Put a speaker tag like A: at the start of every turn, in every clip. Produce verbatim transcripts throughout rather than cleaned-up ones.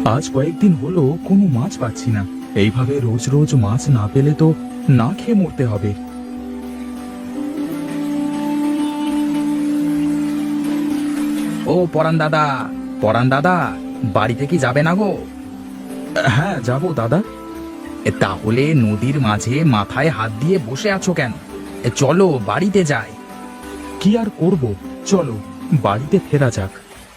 A: আজ কয়েকদিন হলো কোনো মাছ পাচ্ছি না। এইভাবে রোজ রোজ মাছ না পেলে তো না খেয়ে মরতে হবে।
B: ও পরান দাদা, পরান দাদা, বাড়িতে কি যাবে না গো?
A: হ্যাঁ, যাবো দাদা।
B: এ, তাহলে নদীর মাঝে মাথায় হাত দিয়ে বসে আছো কেন? এ, চলো বাড়িতে যাই।
A: কি আর করব, চলো বাড়িতে ফেরা যাক।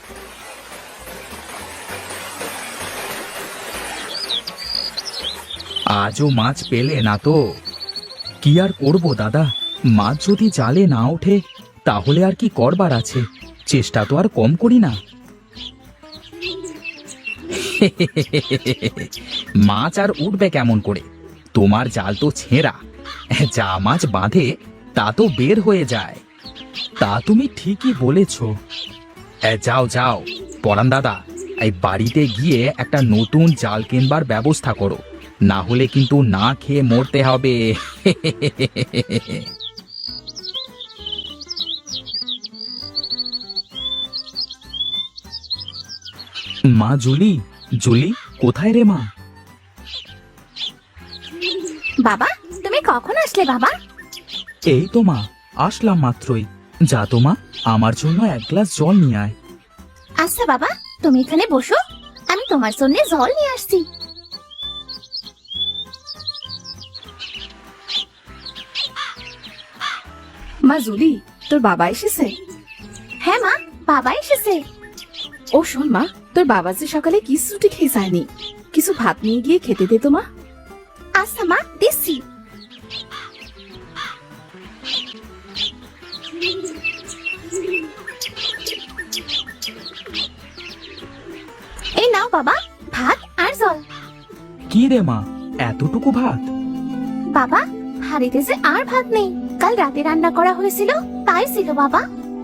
B: আজও মাছ পেলে না তো?
A: কি আর করব দাদা, মাছ যদি জালে না ওঠে তাহলে আর কি করবার আছে, চেষ্টা তো আর কম করি না।
B: মাছ আর উঠবে কেমন করে? তোমার জাল তো ছেঁড়া, যা মাছ বাঁধে তা তো বের হয়ে যায়।
A: তা তুমি ঠিকই বলেছ।
B: এ, যাও যাও পরান দাদা, এই বাড়িতে গিয়ে একটা নতুন জাল কিনবার ব্যবস্থা করো, না হলে কিন্তু না খেয়ে মরতে হবে।
A: মা জুলি, জুলি কোথায় রে মা?
C: বাবা, তুমি কখন আসলে বাবা?
A: এই তো মা, আসলাম মাত্রই। যা তো মা, আমার জন্য এক গ্লাস জল নিয়ে আয়।
C: আচ্ছা বাবা, তুমি এখানে বসো, আমি তোমার জন্য জল নিয়ে আসছি।
D: মা জুলি, তোর বাবা এসেছে?
C: হ্যাঁ মা, বাবা এসেছে।
D: ও শোন মা, তোর বাবা যে সকালে কিছুটি খেয়ে যায়নি, কিছু ভাত নিয়ে গিয়ে খেতে দে তো মা।
C: আচ্ছা মা, দিচ্ছি। এই নাও বাবা, ভাত আর জল।
A: কি রে মা, এতটুকু ভাত?
C: বাবা, হাড়িতে যে আর ভাত নেই, কাল রাতে রান্না করা হয়েছিল তাই ছিল বাবা।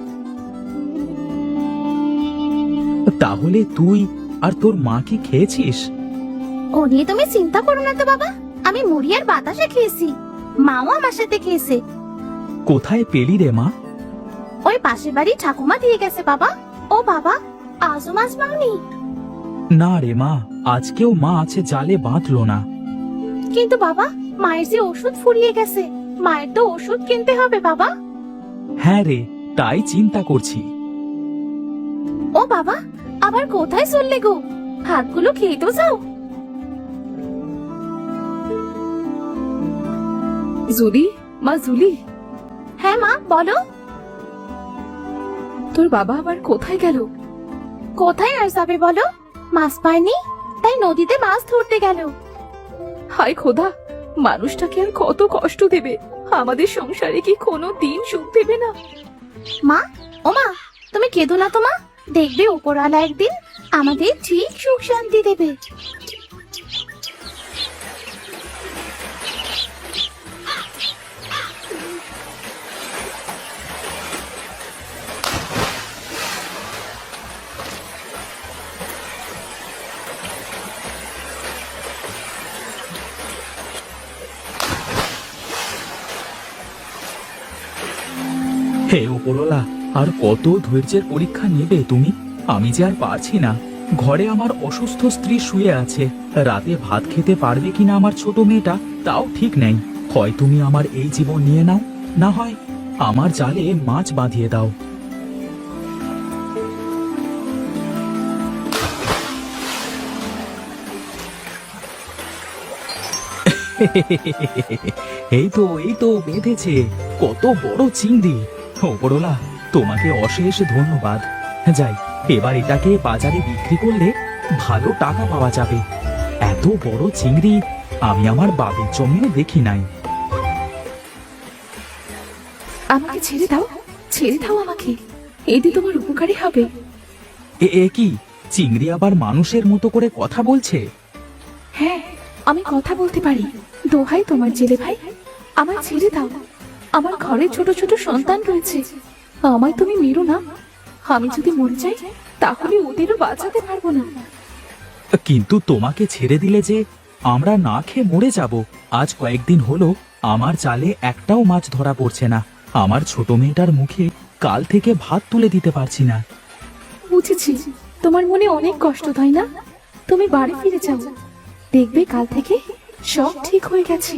A: তাহলে তুই আর তোর মা কি খেয়েছিস?
C: ও নিয়ে তুমি চিন্তা করো না তো বাবা, আমি মুড়ি আর বাতাসা খেয়েছি, মাও আমার সাথে খেয়েছে।
A: কোথায় পেলি রে মা?
C: ওই পাশের বাড়ি ঠাকুমা দিয়ে গেছে বাবা। ও বাবা, আজও মাছ পাওনি?
A: না রে মা, আজকেও মা আছে জালে বাঁধলো না।
C: কিন্তু বাবা, মায়ের যে ওষুধ ফুরিয়ে গেছে, মায়ের তো ওষুধ কিনতে হবে বাবা।
A: হ্যাঁ রে, তাই চিন্তা করছি।
C: ও বাবা, আবার কোথায় চললে গো? ভাতগুলো খেয়ে তো যাও।
D: জুলি, মা জুলি।
C: হ্যাঁ মা, বলো।
D: তোর বাবা আবার কোথায় গেল?
C: কোথায় আর যাবে বলো, মাছ পায়নি তাই নদীতে মাছ ধরতে গেল।
D: হায় খোদা, মানুষটাকে আর কত কষ্ট দেবে, আমাদের সংসারে কি কোনো দিন সুখ দেবে না?
C: মা, ও মা, তুমি কেঁদো না তো মা, দেখবে উপরওয়ালা একদিন আমাদের ঠিক সুখ শান্তি দেবে।
A: হে উপরওয়ালা, আর কত ধৈর্যের পরীক্ষা নেবে তুমি? আমি যে আর পারছি না। ঘরে আমার অসুস্থ স্ত্রী শুয়ে আছে, রাতে ভাত খেতে পারবে কিনা আমার ছোট মেয়েটা তাও ঠিক নেই। হয় তুমি আমার এই জীবন নিয়ে নাও, না হয় আমার জালে মাছ বাঁধিয়ে দাও। এই তো এই তো বেঁধেছে, কত বড় চিংড়ি! ওপরওয়ালা, তোমাকে অশেষ ধন্যবাদ। যাই, এবার এটাকে বাজারে বিক্রি করলে ভালো টাকা পাওয়া যাবে। এত বড় চিংড়ি আমি আমার বাবের জমিও দেখি নাই।
D: আমাকে ছেড়ে দাও, ছেড়ে দাও আমাকে, এতে তোমার উপকারী হবে।
A: এ এ কি, চিংড়ি আবার মানুষের মতো করে কথা বলছে?
D: হ্যাঁ, আমি কথা বলতে পারি। দোহাই তোমার জেলে ভাই, আমার ছেড়ে দাও। আমার ঘরে ছোট ছোট সন্তান রয়েছে, আমায় তুমি মেরো না। আমি যদি মরে যাই তাহলে ওদেরও বাঁচাতে পারবো না।
A: কিন্তু তোমাকে ছেড়ে দিলে যে আমরা না খেয়ে মরে যাব। আজ কয়েকদিন হলো আমার জালে একটাও মাছ ধরা পড়ছে না। আমার ছোট মেয়েটার মুখে কাল থেকে ভাত তুলে দিতে পারছি না।
D: বুঝেছি, তোমার মনে অনেক কষ্ট, তাই না? তুমি বাড়ি ফিরে যাও, দেখবে কাল থেকে সব ঠিক হয়ে গেছে।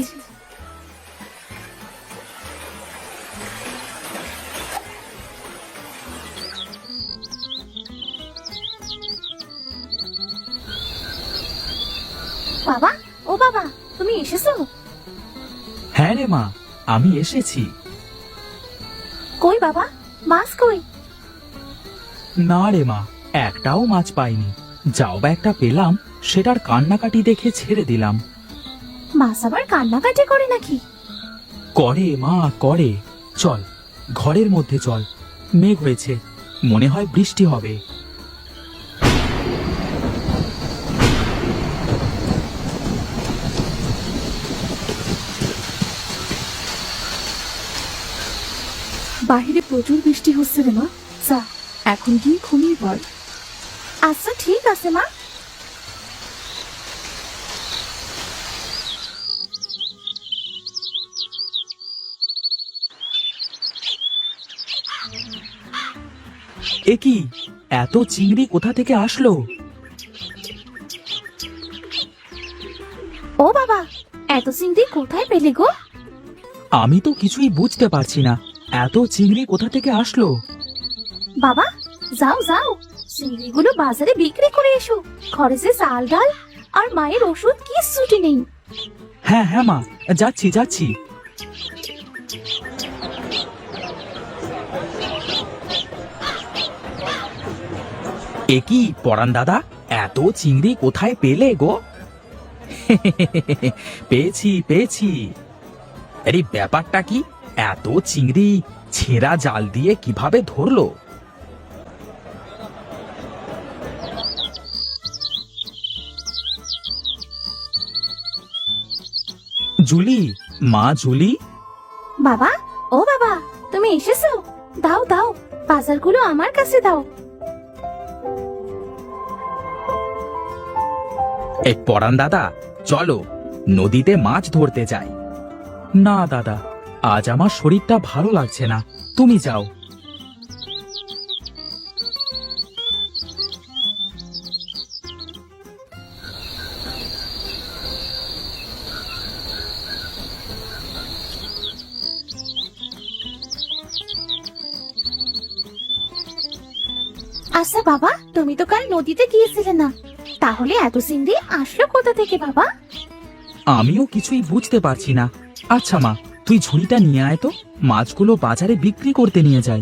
C: বাবা, ও বাবা, তুমি এসেছো?
A: হ্যাঁ রে মা, আমি এসেছি।
C: কই বাবা, মাছ কই?
A: না রে মা, একটাও মাছ পাইনি। যাও বা একটা পেলাম, সেটার কান্নাকাটি দেখে ছেড়ে দিলাম।
C: মাছ আবার কান্নাকাটি করে নাকি?
A: করে মা, করে। চল, ঘরের মধ্যে চল। মেঘ হয়েছে, মনে হয় বৃষ্টি হবে।
D: বাহিরে প্রচুর বৃষ্টি হচ্ছে রে মা, যা এখন গিয়ে ঘুমিয়ে পড়।
C: আচ্ছা ঠিক আছে মা।
A: এ কি, এত চিংড়ি কোথা থেকে আসলো?
C: ও বাবা, এত চিংড়ি কোথায় পেলে গো?
A: আমি তো কিছুই বুঝতে পারছি না, এত চিংড়ি কোথা থেকে আসলো?
C: বাবা, যাও যাও, চিংড়িগুলো বাজারে বিক্রি করে এসো। ঘরে যে চাল ডাল আর মায়ের ওষুধ কিচ্ছুটি নেই।
A: হ্যাঁ হ্যাঁ মা, যাচ্ছি যাচ্ছি। এ কি পরান দাদা, এত চিংড়ি কোথায় পেলে গো? পেয়েছি পেয়েছি। আরে ব্যাপারটা কি, এত চিংড়ি ছেঁড়া জাল দিয়ে কিভাবে ধরলো? জুলি, মা জুলি।
C: বাবা, ও বাবা, তুমি এসেছো? দাও দাও, বাজারগুলো আমার কাছে দাও।
A: এই পরান দাদা, চলো নদীতে মাছ ধরতে যাই। না দাদা, আজ আমার শরীরটা ভালো লাগছে না, তুমি যাও।
C: আচ্ছা বাবা, তুমি তো কাল নদীতে গিয়েছিলে না, তাহলে এত চিংড়ি আসলো কোথা থেকে বাবা?
A: আমিও কিছুই বুঝতে পারছি না। আচ্ছা মা, তুই ঝুড়িটা নিয়ে আয় তো, মাছগুলো বাজারে বিক্রি করতে নিয়ে যাই।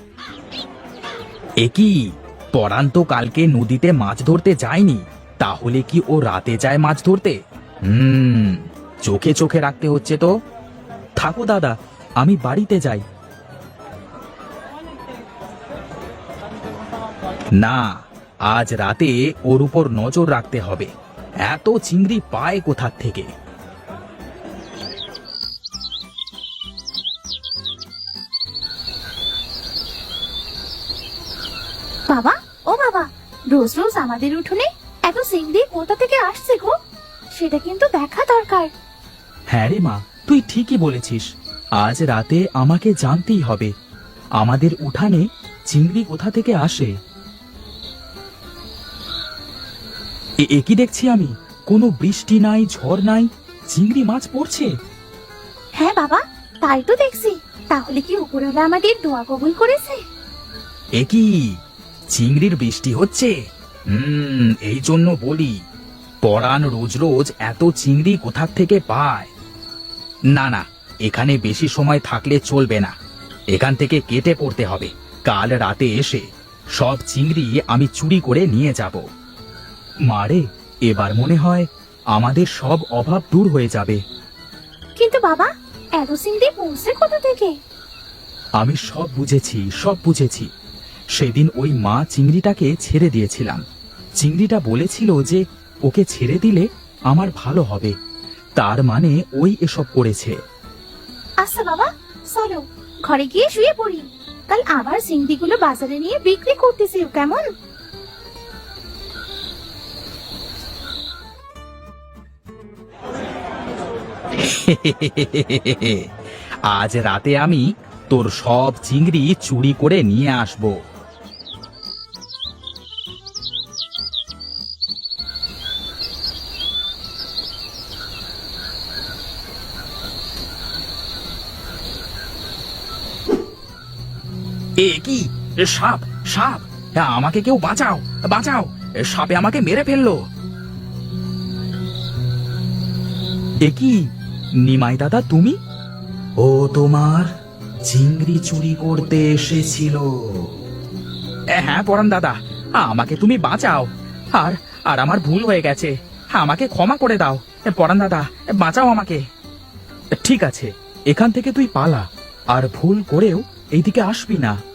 A: এ কি, পরান তো কালকে নদীতে মাছ ধরতে যায়নি, তাহলে কি ও রাতে যায় মাছ ধরতে? হুম, চোখে চোখে রাখতে হচ্ছে তো। থাকো দাদা, আমি বাড়িতে যাই। না, আজ রাতে ওর উপর নজর রাখতে হবে। এত চিংড়ি পায় কোথা থেকে?
C: বাবা, ও বাবা, রোজ রোজ আমাদের উঠোনে এত চিংড়ি কোথা থেকে আসছে গো? সেটা কিন্তু দেখা দরকার।
A: হ্যাঁ রে মা, তুই ঠিকই বলেছিস। আজ রাতে আমাকে জানতেই হবে আমাদের উঠানে চিংড়ি কোথা থেকে আসে। এ এ কি দেখছি আমি, কোনো বৃষ্টি নাই, ঝড় নাই, চিংড়ি মাছ পড়ছে।
C: হ্যাঁ বাবা, তাই তো দেখছি। তাহলে কি উপরওয়ালা আমাদের দোয়া কবুল করেছে?
A: এ কি, চিংড়ির বৃষ্টি হচ্ছে? হুম, এই জন্য বলি, পরাণ রোজ রোজ এত চিংড়ি কোথা থেকে পায়। না না, এখানে বেশি সময় থাকলে চলবে না, এখান থেকে কেটে পড়তে হবে। কাল রাতে এসে সব চিংড়ি আমি চুরি করে নিয়ে যাব। মারে, এবার মনে হয় আমাদের সব অভাব দূর হয়ে যাবে।
C: কিন্তু বাবা, এত চিংড়ি পৌঁছে কোথা থেকে?
A: আমি সব বুঝেছি, সব বুঝেছি। সেদিন ওই মা চিংড়িটাকে ছেড়ে দিয়েছিলাম। চিংড়িটা বলেছিল যে ওকে ছেড়ে দিলে আমার ভালো হবে, তার মানে ওই এসব করেছে।
C: আচ্ছা বাবা, চলো ঘরে গিয়ে শুয়ে পড়ি। কাল আবার চিংড়িগুলো বাজারে নিয়ে বিক্রি করতেছি, কেমন?
A: আজ রাতে আমি তোর সব চিংড়ি চুরি করে নিয়ে আসব।
B: এ কি এ সাপ সাপ হ্যাঁ, আমাকে কেউ বাঁচাও বাঁচাও এ সাপে আমাকে মেরে ফেললো।
A: এ কি নিমাই দাদা তুমি?
B: ও তোমার চিংড়ি চুরি করতে এসেছিল। হ্যাঁ পরান দাদা, আমাকে তুমি বাঁচাও। আর আর আমার ভুল হয়ে গেছে, আমাকে ক্ষমা করে দাও। পরান দাদা বাঁচাও আমাকে।
A: ঠিক আছে, এখান থেকে তুই পালা, আর ভুল করেও এইদিকে আসবি না।